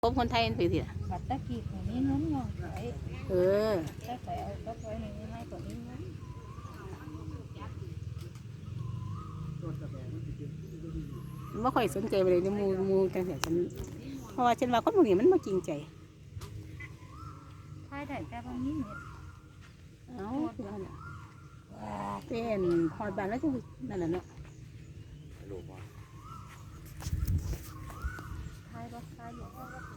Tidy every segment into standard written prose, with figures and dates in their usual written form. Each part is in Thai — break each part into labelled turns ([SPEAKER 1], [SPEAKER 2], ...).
[SPEAKER 1] ผมคนไทยเป็นสิล่ะ
[SPEAKER 2] บัตรตะกี้คนนี้น้องน้องไหลถ้าใส่เอาก็ไว้ในนี้ให้คนนี้น้อง
[SPEAKER 1] ไม่ค่อยสนใจเลยในมูจังเสียฉันเพราะว่าฉันว่าคนพวกนี้มันไม่จริงใจ
[SPEAKER 2] ท้ายได้แต่บางนี้เนี่ย
[SPEAKER 1] เอาเป็นหอดบานแล้วจังนั่นแหละเนาะ
[SPEAKER 2] ท้ายบ่ท้ายอยู่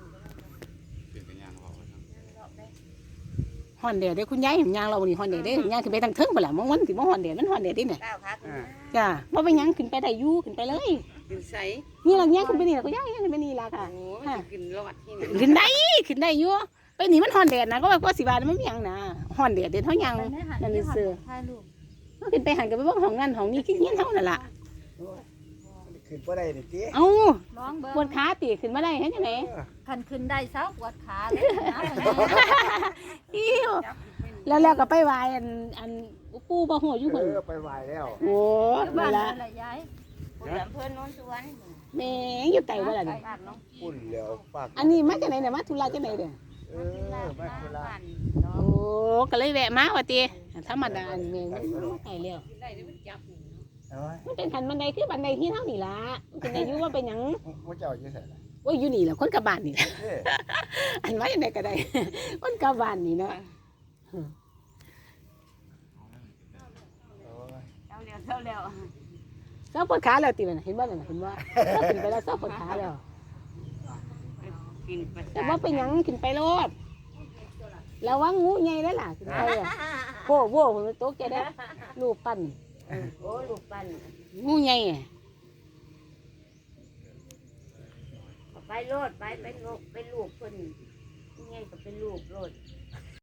[SPEAKER 1] ฮอนเดียดเด้คุณยายเห็นยางเรานี่ฮอนเดียดเด้ยางขึ้นไปทางเทิงไปละมองวันสิบ่ฮอนเดียดมันฮอนเดียดดิเนี่ยจ้าว่าไปยังขึ้นไปได้ยู่ขึ้นไปเลย
[SPEAKER 3] ขึ้นไส
[SPEAKER 1] นี่เราย่างขึ้นไปนี่ละก็ย่างขึ้นไปนี่ละค่ะ
[SPEAKER 3] ขึ้นรอดที่ไหน
[SPEAKER 1] ขึ้นได้อยู่ไปนี่มันฮอนเดียดนะก็ว่าสิบาทมันไม่ยังนะฮอนเดียดเด็ดเท่ายังนั่นนี่เสือ
[SPEAKER 2] ท้ายลูก
[SPEAKER 1] มันขึ้นไปหันกันไปว่าห้องนั่นห้องนี้ขี้เงี้ยเท่านั่นละ
[SPEAKER 4] ขึ้นบ่ได้ดิ
[SPEAKER 1] เอ้า
[SPEAKER 2] ร้องเบิ้ง
[SPEAKER 1] ปวดขาตีขึ้นมาได้เห็นยังไง
[SPEAKER 2] คันขึ้นได้เช้าปวดขาเลยนะ
[SPEAKER 1] อิ้วแล้วก็ไปวายอันปูบ่หัวอยู่เพิ่น
[SPEAKER 4] ไปไหวแล้ว
[SPEAKER 1] โอ้
[SPEAKER 2] บ้า
[SPEAKER 1] นั่
[SPEAKER 2] น
[SPEAKER 1] นละ
[SPEAKER 2] อะไรยายผู้อำเภอโนนสุวรรณ
[SPEAKER 1] แม่อยู่ไต่บ่ล่ะนี่
[SPEAKER 4] ปุ่นแล้วปาก
[SPEAKER 1] อันนี้มาจากไหนเนี่ยมาธุระจากไหนเด้อ
[SPEAKER 4] มาคือละ
[SPEAKER 1] โอ้ก็เลยแวะมาว่าติธรรมดาแม่มันไต่แล้วมันเป็นขันบันไดคือบันไดที่เท่านี่ล่ะมันเป็นอายุว่าเป็นหยัง
[SPEAKER 4] ว่าเจ้าอยู่ไสล่ะ
[SPEAKER 1] โอ้ยอยู่นี่แหละคนกลับบ้านนี่แหละอันว่าอย่างไรก็ได้คนกลับบ้านนี่เนาะเศร้าปวดขาแล้วตีมันเห็นว่าเห็นว่าเศร้าขึ้นไปแล้วเศร้าปวดขาแล้วแต่ว่าเป็นหยังขึ้นไปรถแล้วว่างูใหญ่แล้วล่ะขึ้นไปอ่ะโว้โว้ผมโต๊ะแกได้ลูกปั้น
[SPEAKER 3] โอ้ลูกปั้น
[SPEAKER 1] งูใหญ่
[SPEAKER 3] ไปโลดไปลูกเพิ่นไงก็เป็นลูกโลด